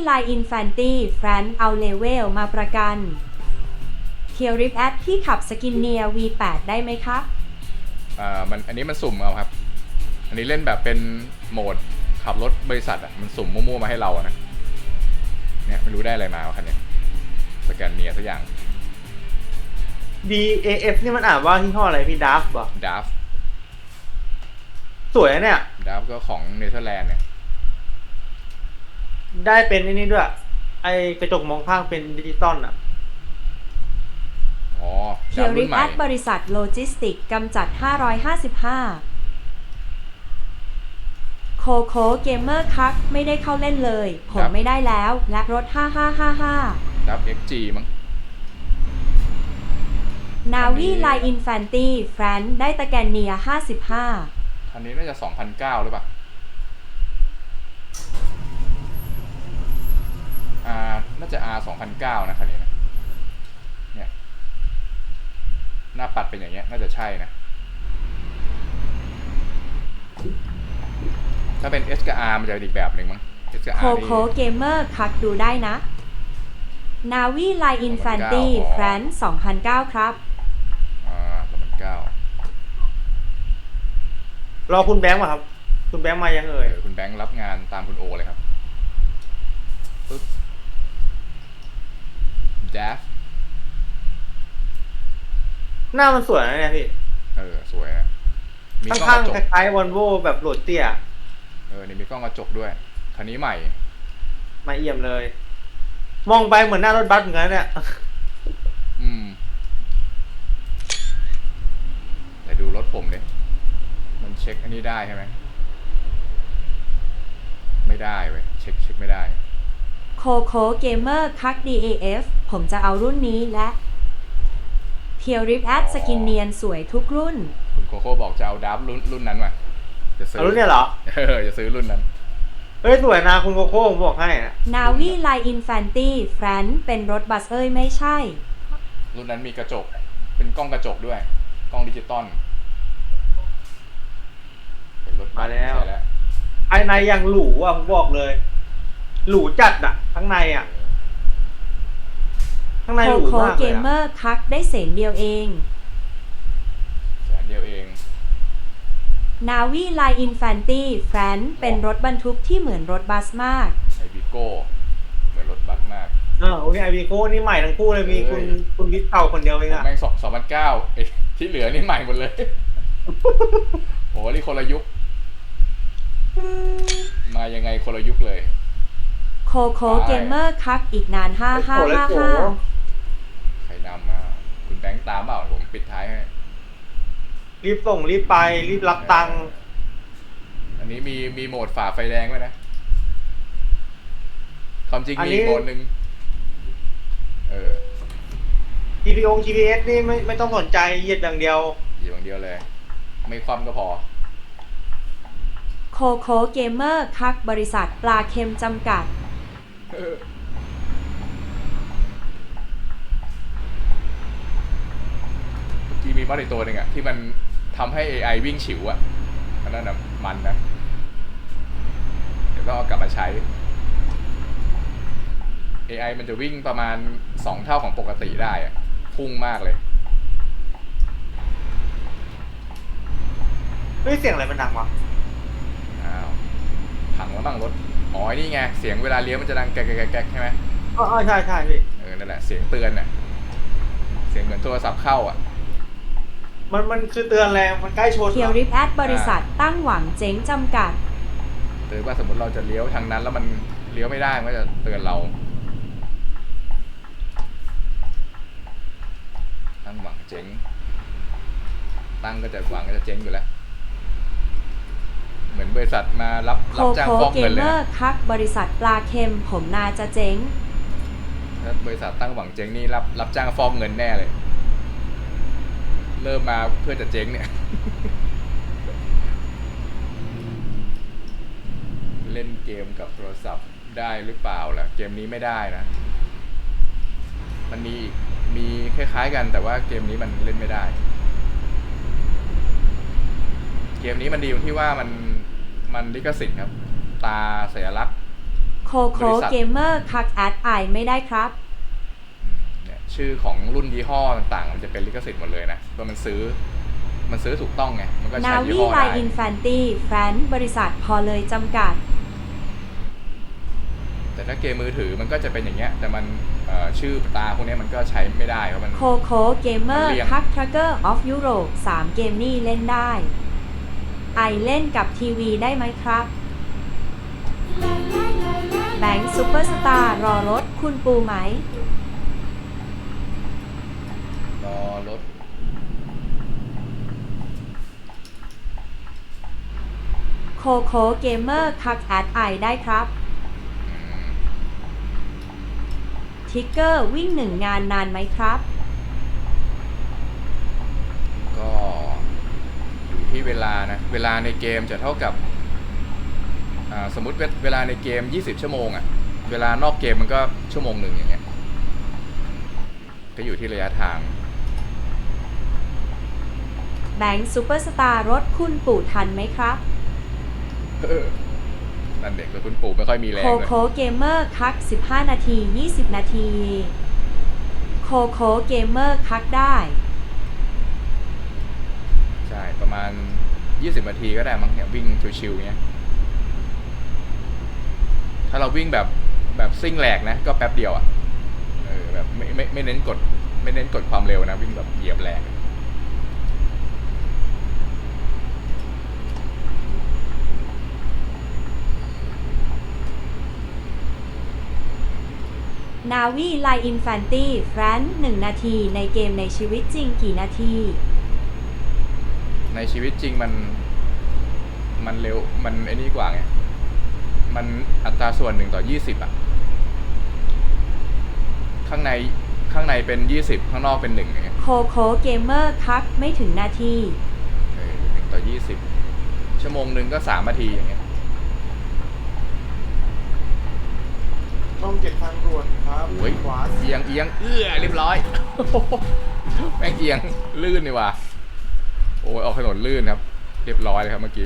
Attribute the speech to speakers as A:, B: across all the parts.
A: ไลน์อินฟันตี้แฟรนเอาเลเวลมาประกันเคียวริฟแอดที่ขับสกินเนีย V8 ได้ไหมครับ
B: อันนี้มันสุ่มเอาครับ อันนี้เล่นแบบเป็นโหมดขับรถบริษัทอ่ะมันสุ่มมั่วๆมาให้เราอะนะเนี่ยไม่รู้ได้อะไรมาวะคันนี้สแกนเนียสักอย่าง
C: DAF นี่มันอ่านว่าที่ห้ออะไรพี่ดัฟบ่
B: ดัฟ
C: สวยนะเนี่ย
B: ดัฟก็ของเนเธอร์แลนด์เนี่ย
C: ได้เป็นไอ้นี่ด้วย ไอกระจกมองข้างเป็นดิจิตอลอ่ะ
B: อ๋อ
A: เคี
B: ดั
A: ย
B: ฟ
A: วริ
B: รุ่
A: ฟ
B: นให
A: แอ
B: ม่
A: ดบริษัทโลจิสติกกำจัด 555 โคโคเกมเมอร์คักไม่ได้เข้าเล่นเลย ผมไม่ได้แล้วและรถ 5555
B: ดัฟ XG มั้ง
A: นาวีไลน์อินฟันตี้แฟรนได้ตะแกนเนีย 55
B: คันนี้น่าจะ 2009 หรือเปล่าน่าจะ R 2009 นะคันนี้นะเนี่ยหน้าปัดเป็นอย่างเงี้ยน่าจะใช่นะถ้าเป็น S กับ R มันจะเป็นอีกแบบหนึ่งมั้ง S กับ
A: โค
B: R
A: โค
B: นี่
A: เกมเมอร์คักดูได้นะนาวีไลน์อินฟันตี้
B: อ๋อ
A: แฟรน2009 ครับ
B: 2009
C: รอคุณแบงค์มาครับ คุณแบงค์มายังเอ่ย
B: คุณแบงค์รับงานตามคุณโอเลยครับปึ๊บดัฟ
C: หน้ามันสวยนะเนี่ยพี่
B: สวยนะมีกล้อง
C: ข้าง
B: กระจ
C: ๆค
B: ก
C: ล้ายๆวอลโว่แบบโหลดเตี้ย
B: นี่มีกล้องกระจกด้วยคันนี้ใหม่
C: มาเอี่ยมเลย มองไปเหมือนหน้ารถบัสเหมือนกันเนี่ย
B: แต่ดูรถผมดิมันเช็คอันนี้ได้ใช่ไหมไม่ได้เว้ยเช็คไม่ได้
A: โคโคเกมเมอร์คัก DAF ผมจะเอารุ่นนี้และเทียวริฟแอดสกินเนียนสวยทุกรุ่น
B: คุณโคโค่บอกจะเอาดับรุ่นนั้นมาจะซื้
C: เอารุ่นเนี่ยเหรอ
B: จะซื้อรุ่นนั้น
C: เฮ้ยสวยนะคุณโกโก้ผมบอกให้นะ
A: นาวีไลน์อินฟันตี้แฟรนเป็นรถบัสไม่ใช่
B: รุ่นนั้นมีกระจกเป็นกล้องกระจกด้วยกล้องดิจิตอลเป็นรถบัส
C: มาแล้ว
B: ใช่แล้ว
C: ภายในอย่างหรูอ่ะผมบอกเลย หรูจัดอ่ะ ข้างในอ่ะ ข้างใน
A: โค
C: หรู
A: โค
C: มาก
A: เก
C: เลย
A: มเมอ
C: อะ
A: ร์คักได้เสนเดียวเอง
B: แสนเดียวเอง
A: นาวีไลน์อินฟันตี้แฟรนเป็นรถบรรทุกที่เหมือนรถบัสมาก
B: ไอวิโก้เหมือนรถบัสมาก
C: โอเคไอวีโก้นี่ใหม่ทั้งคู่เลยมีคุณวิทย์เก่าคนเดียวเองอ่ะ
B: แม่ง2009ที่เหลือนี่ใหม่หมดเลย โอ้นี่คนละยุค มายังไงคนละยุคเลย
A: โคโคเกมเมอร์คักอีกนาน
C: โอ้โห
A: 5555
B: ใครนำมาคุณแบงค์ตามเปล่าผมปิดท้ายให้
C: รีบส่งรีบไปรีบรับตังค์
B: อันนี้มีโหมดฝ่าไฟแดงด้วยนะความจริงมีอีกโหมดหนึ่ง
C: GPS นี่ไม่ต้องสนใจเหยียดอย่างเดียว
B: อยู่อย่างเดียวเลย ไม่คว่ำก็พอ
A: โคโคเกมเมอร์คักบริษัทปลาเค็มจำกัด
B: เมื่อกี้มีมอดอีกตัวหนึ่งอะที่มันทำให้ AI วิ่งฉิวอะอันนั้นนะมันนะ เดี๋ยวต้องเอากลับมาใช้ AI มันจะวิ่งประมาณ2 เท่าของปกติได้อะพุ่งมากเลย
C: เฮ้ยเสียงอะไรมันดังวะ
B: อ้าวพังแล้วบ้างรถ อ๋อนี่ไง เสียงเวลาเลี้ยวมันจะดังแก๊กแก๊กแก๊กใช่ไหม
C: อ๋อใช่ใช่พี่
B: นั่นแหละ เสียงเตือนน่ะ เสียงเหมือนโทรศัพท์เข้าอ่ะ
C: มันคือเตือนแรงมันใกล้ชน
A: เคียวริฟแอดบริษัทตั้งหวังเจ๊งจำกัด
B: เตือนว่าสมมติเราจะเลี้ยวทางนั้นแล้วมันเลี้ยวไม่ได้มันก็จะเตือนเรา ตั้งหวังเจ๊ง ตั้งก็จะหวังก็จะเจ๊งอยู่แล้ว เหมือนบริษัทมารับ
A: โค
B: จ้าง
A: โค
B: ฟอก
A: เก
B: เงิ
A: ม
B: นเล
A: เม
B: ย
A: อ
B: นะ
A: ร์คักบริษัทปลาเค็มผมนาจะเจ๊ง
B: ถ้าบริษัทตั้งหวังเจ๊งนี่รับจ้างฟอกเงินแน่เลย เริ่มมาเพื่อจะเจ๊งเนี่ย เล่นเกมกับโทรศัพท์ได้หรือเปล่าล่ะ เกมนี้ไม่ได้นะ มันมีคล้ายๆกันแต่ว่าเกมนี้มันเล่นไม่ได้ เกมนี้มันดีตรงที่ว่ามันลิขสิทธิ์ครับ ตาสัญลักษณ์
A: โคโค
B: บริษัท
A: เกมเมอร์คักแอดไอไม่ได้ครับ
B: เนี่ยชื่อของรุ่นยี่ห้อต่างๆ มันจะเป็นลิขสิทธิ์หมดเลยนะก็มันซื้อถูกต้องไงมันก็
A: นา
B: ใช้ยี่
A: วี
B: ห้อ
A: ไล
B: ได้
A: อินแฟนตี้แฟนบริษัทพอเลยจำกัด
B: แต่ถ้าเกมมือถือมันก็จะเป็นอย่างเงี้ยแต่มันชื่อตาพวกเนี้ยมันก็ใช้ไม่ได้เพราะมัน
A: โคโคเกมเมอร์
B: มันเลี่ยง
A: คักทรัคเกอร์ออฟยุโรป3เกมนี่เล่นได้ ไอเล่นกับทีวีได้ไหมครับ แบงค์ซูเปอร์สตาร์รอรถคุณปูไหม
B: รอรถ
A: โคโคเกมเมอร์คักแอดไอได้ครับ ทิกเกอร์วิ่ง1 งานนานไหมครับ
B: ก็อยู่ที่เวลานะเวลาในเกมจะเท่ากับสมมุติเวลาในเกม20ชั่วโมงอะเวลานอกเกมมันก็ชั่วโมงหนึ่งอย่างเงี้ยก็อยู่ที่ระยะทาง
A: แบงค์ซูเปอร์สตาร์รถคุณปู่ทันไหมครับ
B: นั่นเด็กแล้วคุณปู่ไม่ค่อยมีแร
A: โค
B: งเลย
A: โคเกมเมอร์คัก15 นาที 20 นาที โคโคเกมเมอร์คักได้
B: ใช่ประมาณ20นาทีก็ได้มั้งเนี่ยวิ่งชิวๆเงี้ยถ้าเราวิ่งแบบซิ่งแหลกนะก็แป๊บเดียวอ่ะแบบไม่เน้นกดความเร็วนะวิ่งแบบเหยียบแหลก
A: นาวีไลอินแฟนตี้แฟน1 นาทีในเกมในชีวิตจริงกี่นาที
B: ในชีวิตจริงมันเร็วมันไอ้นี่กว่าไงมันอัตราส่วน1:20อ่ะข้างในเป็น20ข้างนอกเป็น1อย่างเงี้ย
A: โคโคเกมเมอร์คักไม่ถึงนาที
B: 1:20ชั่วโมงหนึ่งก็3นาทีอย่างเงี้ย
D: ช่อง7 ทางด่วนครับ
B: โอ้ย
D: ขวา
B: เอียงเรียบร้อย แม่งเอียงลื่นนี่ว่ะโอ้ยออกถนนลื่นครับ เรียบร้อยเลยครับเมื่อกี้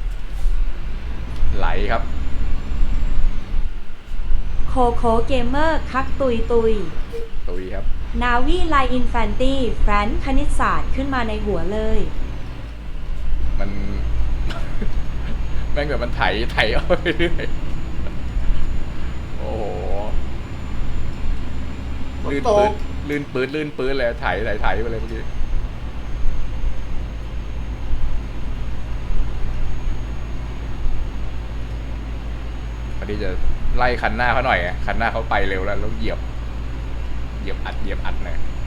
B: ไหลครับ
A: โคโคเกมเมอร์คักตุยตุย
B: ตุยครับ
A: นาวีไลอินแฟนตี้แฟนคณิตศาสตร์ขึ้นมาในหัวเลย
B: มัน แม่งแบบมันไถเอาไปเรื่อยโอ้โห
D: ฝน
B: ลื่น
D: ต
B: ปื๊
D: ก
B: ดลื่นปื๊ดเลยไถไปเลยเมื่อกี้พอดีจะไล่คันหน้าเขาหน่อยไงคันหน้าเขาไปเร็วแล้วเหยียบอัดนะ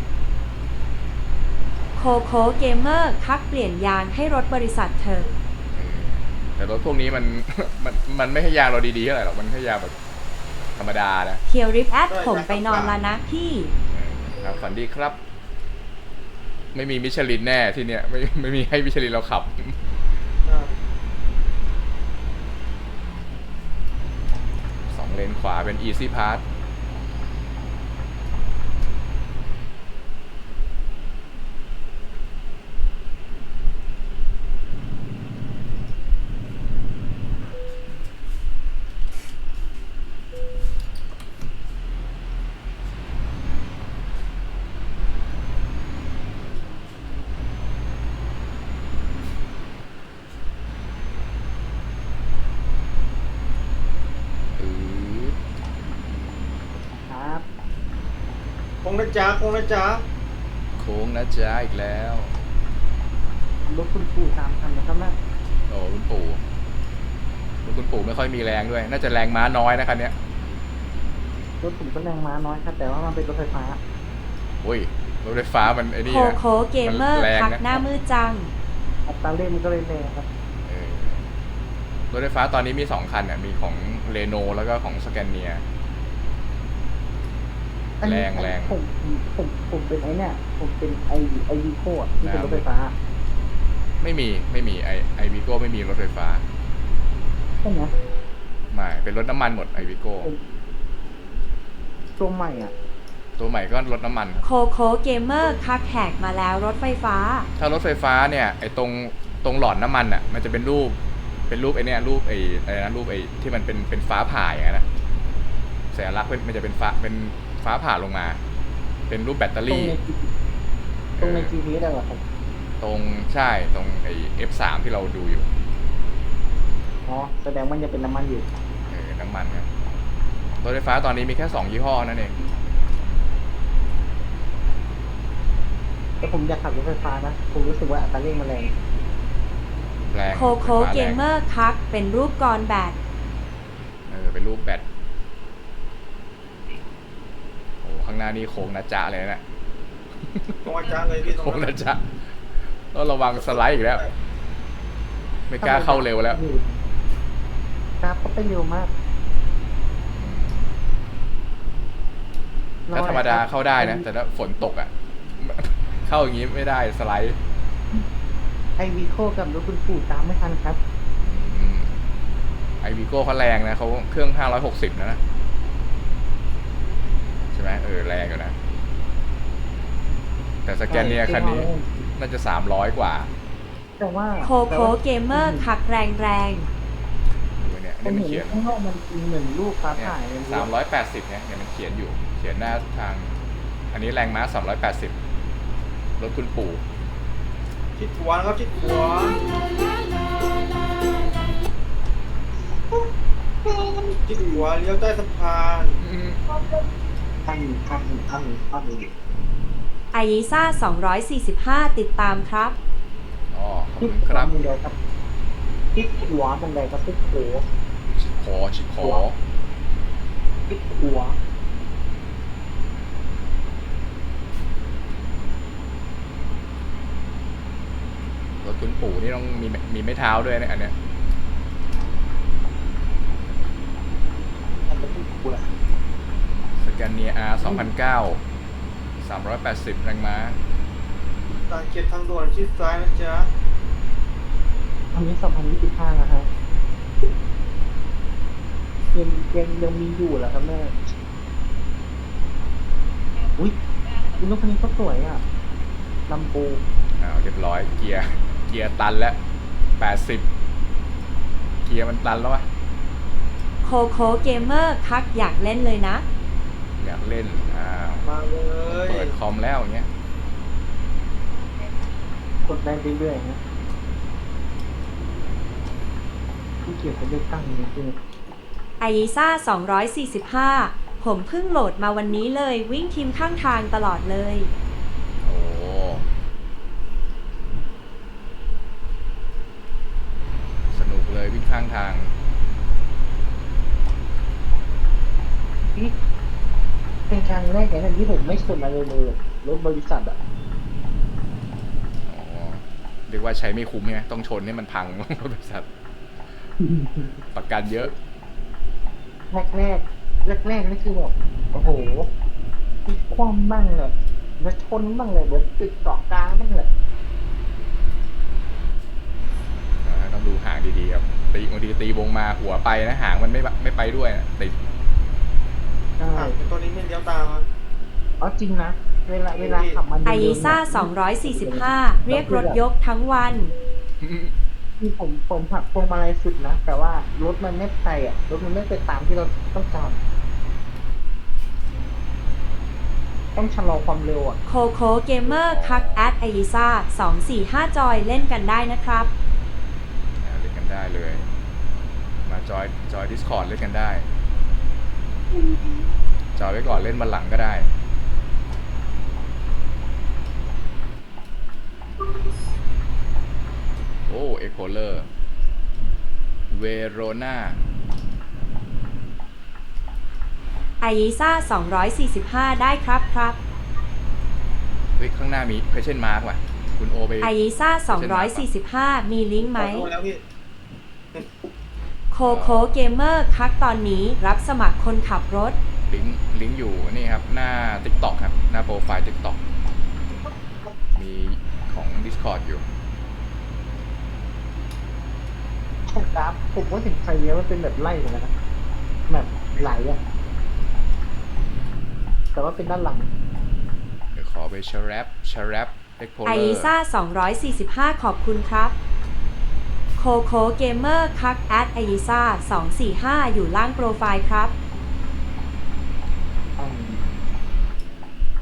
A: โคโคเกมเมอร์คักเปลี่ยนยางให้รถบริษัทเธอ
B: แต่รถพวกนี้มัน มันไม่ให้ยางเราดีๆเท่าไหร่หรอกมันให้ยางแบบธรรมดานะ
A: เทียวริปแอดผมไปนอนแล้วนะพี่
B: ครับฝันดีครับ ไม่มีมิชลินแน่ที่เนี้ยไม่มีให้มิชลินเราขับ 2 เลนขวาเป็น Easy Pass
D: ครับคงนะจ๊ะ
B: โค้งนะจ๊ะอีกแล้ว
D: รถคุณปู่3 คันนะครับนะ
B: โอ้คุณปู่ไม่ค่อยมีแรงด้วย น่าจะแรงม้าน้อยนะคันเนี้ย
D: รถผมก็แรงม้าน้อยครับ แต่ว่ามันเป็นรถไฟฟ้า
B: อุ้ยรถไฟฟ้ามันไอ้นี่
A: โค
B: นะ
A: โคเกมเมอร์
B: แรง
A: คัก
B: นะ
A: หน้ามืดจัง
D: อัตราเร่งมันก็เลยแรงครับ
B: เออรถไฟฟ้าตอนนี้มี2 คันเนี่ยมีของเรโนแล้วก็ของสแกนเนีย
D: อันนี้
B: แรง
D: ผมเป็นไอเนี่ย ผมเป็นไอวีโคดที่เป็นรถไฟฟ้า
B: ไม่มีไอวิโก้ไม่มีรถไฟฟ้า
D: ใช่ไหม
B: ไม่เป็นรถน้ำมันหมดไอวิโก้
D: ตัวใหม่อ่ะ
B: ตัวใหม่ก็รถน้ำมันครับ
A: โคโคเกมเมอร์คักแหกมาแล้วรถไฟฟ้า
B: ถ้ารถไฟฟ้าเนี่ยไอตรงหลอดน้ำมันอ่ะมันจะเป็นรูปไอเนี่ยรูปไออะไรนะรูปไอที่มันเป็นฟ้าผ่าอย่างนั้นนะสัญลักษณ์มันจะเป็นฟ้าผ่าลงมา เป็นรูปแบตเตอรี่
D: ตรงใน GPS อะเหรอครับ
B: ตรงใช่ตรงไอ้ F3 ที่เราดูอยู่
D: อ๋อแสดงมันจะเป็นน้ำมันอยู่
B: น้ำมันครับรถไฟฟ้าตอนนี้มีแค่2ยี่ห้อนั่นเอง
D: แต่ผมอยากขับรถไฟฟ้านะผมรู้สึกว่าอัตราเร่งมันแรง
B: แรง
A: โคโคเกมเมอร์คักเป็นรูปกรแบต
B: เป็นรูปแบตโอ้ข้างหน้านี่โค้งนะจ๊ะเลยนะ
C: ตรงอาจารย์เลยพี่ตรง
B: โค้ง
C: นั้
B: นะ
C: น
B: จ๊ะต้องระวังสไลด์อีกแล้ว ไม่กล้าเข้าเร็วแล้ว
D: ครับก็ไปเร็วมาก
B: ถ้าธรรมดาเข้าได้นะ แต่ถ้าฝนตกอ่ะ เข้าอย่างนี้ไม่ได้สไลด์
D: ไอวีโคกับรถคุณปู่ตามไม่ทันครับ
B: ไอวีโก้เขาแรงนะเขาเครื่อง560นะใช่ไหมแรงอยู่นะ แต่สแกนเนียคันนี้น่าจะ300กว่า
D: แต่ว่า
A: โคโคเกมเมอร์คักแรง
B: ดูเนี่ย
D: ผม
B: นี่มัน
D: เห็
B: เขีย
D: น
B: น
D: ข้างนอกมันเหมือนรูปฟ้า
B: เนี่ย
D: ผ่าเลย
B: 380เนี่ยมันเขียนอยู่ เขียนหน้าทาง อันนี้แรงม้า380รถคุณปู่
C: ชิดขวาครับชิดขวาชิดขวาเลี้ยวใต้สะพาน
D: ท่าน
A: ๆไอยิซ่า245 ติดตามครับ
B: อ๋อขอบ
D: ทิศ
B: คุณ
D: ข
B: คว
D: า
B: รับ
D: บันไดครับทิศขวาบันไดครับทิศโข
B: ชิดขอ
D: ทิศขวา
B: รถคุณปู่นี่ต้องมีไม้เท้าด้วยนะอันเนี้ย
D: อันนี้ทิศขวา
B: สแกนเนีย R 2009 380แรงม้า
C: ตาเขียนทางด่วนชิดซ้ายนะจ๊ะ
D: อันนี้2025นะฮะยังมีอยู่เหรอครับแม่อุ้ยรถคันนี้ก็สวยอ่ะลำโพง
B: เรียบร้อยเกียร์ตันแล้ว80เกียร์มันตันแล้ววะ
A: โคโคเกมเมอร์คักอยากเล่นเลยนะ
B: อยากเล่น
C: มาเลย
B: เปิดคอมแล้วอย่างเงี้ย
D: กดได้เรื่อยๆนะที่เกี่ยวกับเลือกตั้งนี่คือ
A: ไอยิซ่า245 ผมเพิ่งโหลดมาวันนี้เลยวิ่งทีมข้างทางตลอดเลย
B: โอ้สนุกเลยวิ่งข้างทาง
D: นี่เป็นครั้งแรกในที่ผมไม่ชนอะไรเลยรถบริษัทอ่ะ
B: อ๋อเรียกว่าใช้ไม่คุ้มใช่ไหมต้องชนให้มันพัง รถบริษัทประกันเยอะ
D: แรกนี่คือแบบโอ้โหพลิกคว่ำบ้างเลยแล้วชนบ้างเลยเดี๋ยวติดเกาะกลางบ้างเลย
B: ต้องดูหางดีๆครับบางทีตีวงมาหัวไปนะหางมันไม่ไปด้วยนะติด
D: ใช่
C: ตัวนี้ไม่เลี้ยวตามครับ
D: อ๋อจริงนะเวลาขับมัน
A: ไอยิซ่า245 เรียกรถยกทั้งวัน
D: ที่ผมหักพวงมาลัยสุดนะแต่ว่ารถมันไม่ไปอ่ะรถมันไม่ไปตามที่เราต้องการต้องชะลอความเร็วอ่ะ
A: โคโคเกมเมอร์คักแอดไอยิซ่า245 จอยเล่นกันได้นะครับ
B: เล่นกันได้เลย มาจอย Discord เล่นกันได้ จอยไว้ก่อนเล่นวันหลังก็ได้ โอ้เอ็กโคเลอร์เวโรนา
A: ไอยิซ่า245 ได้ครับ
B: เฮ้ยข้างหน้ามีเพชเช่นมาร์กว่ะคุณโอไป
A: ไอยิซ่า245 มีลิงก์ไหม
C: ขอโทษแล้วพี่
A: โคโคเกมเมอร์คักตอนนี้รับสมัครคนขับรถ
B: ลิงก์อยู่นี่ครับ หน้า TikTok ครับ หน้าโปรไฟล์ TikTok มีของ Discord อยู่
D: ผมกราฟผมว่าถึงไฟเลี้ยวมันเป็นแบบไล่เหมือนกันนะแบบไหลอ่ะแต่ว่าเป็นด้านหลัง
B: เดี๋ยวขอไปชาแรปเอ็กโคเล
A: ไอ
B: อ
A: ยิ
B: ร์
A: ซ่า245 ขอบคุณครับ โคโคเกมเมอร์คักแอดไอยิซ่า245 อยู่ล่างโปรไฟล์ครับ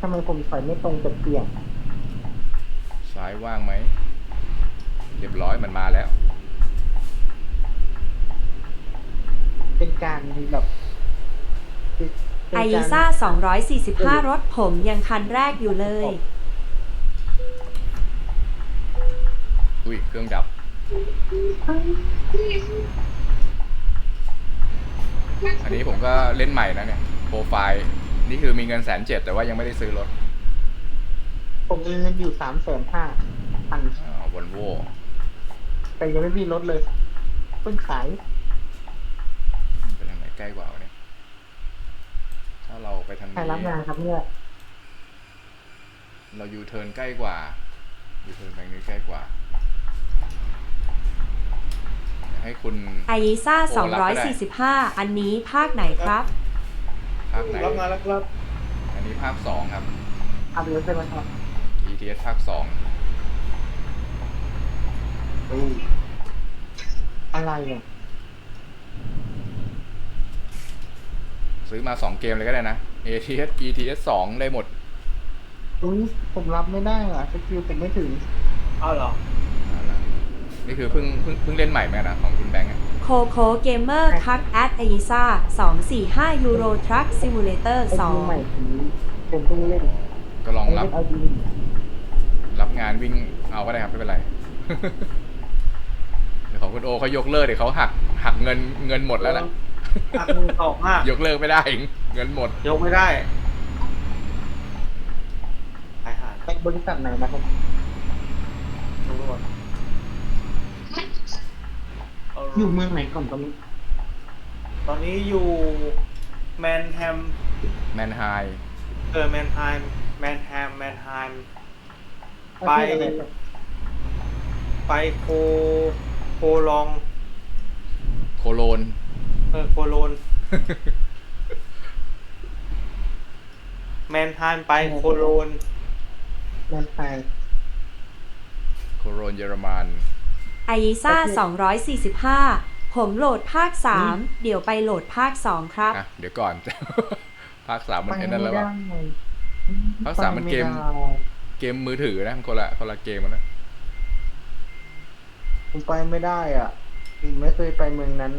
D: ทำไมผมถอยไม่ตรงจะเปลี่ยน
B: ซ้ายว่างไหม เรียบร้อยมันมาแล้ว
D: เป็นการแบบเป็น
A: ไอ
D: การ
A: ซ่า245 รถผมยังคันแรกอยู่เลย
B: อุ้ยเครื่องดับ อันนี้ผมก็เล่นใหม่นะเนี่ย โปรไฟล์ นี่คือมีเงิน170,000แต่ว่ายังไม่ได้ซื้อรถ
D: ผมมีเงินอยู่350,000
B: วอลโว่
D: แต่ยังไม่มีรถเลยเพิ่งขาย
B: ไปทางไหนใกล้กว่าวะเนี่ย ถ้าเราไปทาง
D: ใคร
B: นี้
D: รับงานครับเนี่ย
B: เรายูเทิร์นใกล้กว่า ยูเทิร์นไปนี้ใกล้กว่า ให้คุณ
A: ไอซ่า
B: โอ้รับก็ได้
A: 245 อันนี้ภาคไหนครับ
B: ภาคไหน
C: รับงานแล้วครับ
B: อันนี้ภาค2ครับ
D: เอาเลยใช่ไหมครับ
B: ETS ภาค2
D: อะไรเนี่ย
B: ซื้อมา2เกมเลยก็ได้นะ ETS 2 ได้หมด
D: อุ้ยผมรับไม่ได้อ่ะสกิลผมไม่ถึง
C: เอาเหรอ
B: นี่คือเพิ่งเล่นใหม่ไหมนะของคุณแบงค์อะ
A: โคโคเกมเมอร์คักแอดไอซ่า245 ยูโรทรัคซิมูเลเตอร์
D: ไอดีใหม่ผมเพิ่งเล่น
B: ก็ลองรับ
D: ไอดี
B: รับงานวิ่งเอาก็ได้ครับไม่เป็นไร เดี๋ยวของคุณโอเขายกเลิกเดี๋ยวเขาหักเงินหมดแล้วนะ
C: หักมือสองห้าย
B: กเลิกไม่ได้เงินหมด
C: ยกไม่ได้หายหาด
D: ไปบริษัทไหนนะครับ
C: ตำรวจเอา
D: อยู่เมืองไหนก่อนตอนนี้
C: ตอนนี้อยู่แมนแฮม
B: แมนไฮ
C: แมนไฮมแมนแฮมแมนไฮม ไป
D: ประเทศอะไรครับ
C: ไปโคลอง
B: โคโลน
C: โคโลน แมนไฮมไปโคโลน
D: แมนไทย
B: โคโลนเยอรมัน
A: ไอซ่า245 ผมโหลดภาค 3 เดี๋ยวไปโหลดภาค 2 ครับ
B: อ่ะเดี๋ยวก่อน ภาค3มัน
D: ไป
B: ไอ้
D: ไม่
B: นั่นแล้ว
D: ได้
B: วะ ภาคสามมันเกม เกมมือถือนะมันคนละเกมมันนะ
D: ผมไปไม่ได้อ่ะผมไม่เคยไปเมืองนั้น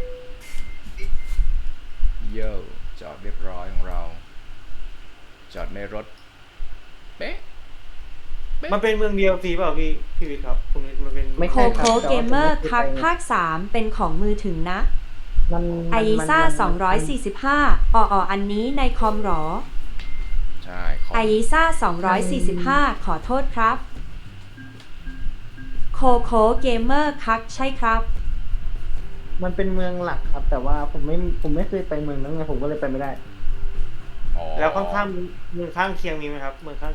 B: เย่จอดเรียบร้อยของเรา จอดในรถ เป๊ะ
C: มันเป็นเมืองเดียวสิเปล่าพี่วิทย์ครับคุณวิทย์มันเป็น
D: ไม่
A: โค
D: ใช่
A: โค
D: ครับ
A: เกมเมอร์
D: แต่
A: คั
D: ว่าก ผมไม่เคยไป
A: ภาค 3 เป็นของมือถือนะ
D: มัน
A: ไอซ่า
D: มัน
A: 245อันนี้ในคอมหรอ
B: ใช่ของ
A: ไอซ่า245 ขอโทษครับ โคโคเกมเมอร์คักใช่ครับ
D: มันเป็นเมืองหลักครับ แต่ว่าผมไม่เคยไปเมืองนั้นไงผมก็เลยไปไม่ได้
B: อ๋อ
C: แล้วข้างๆเมืองข้างเคียงมีไหมครับเมืองข้าง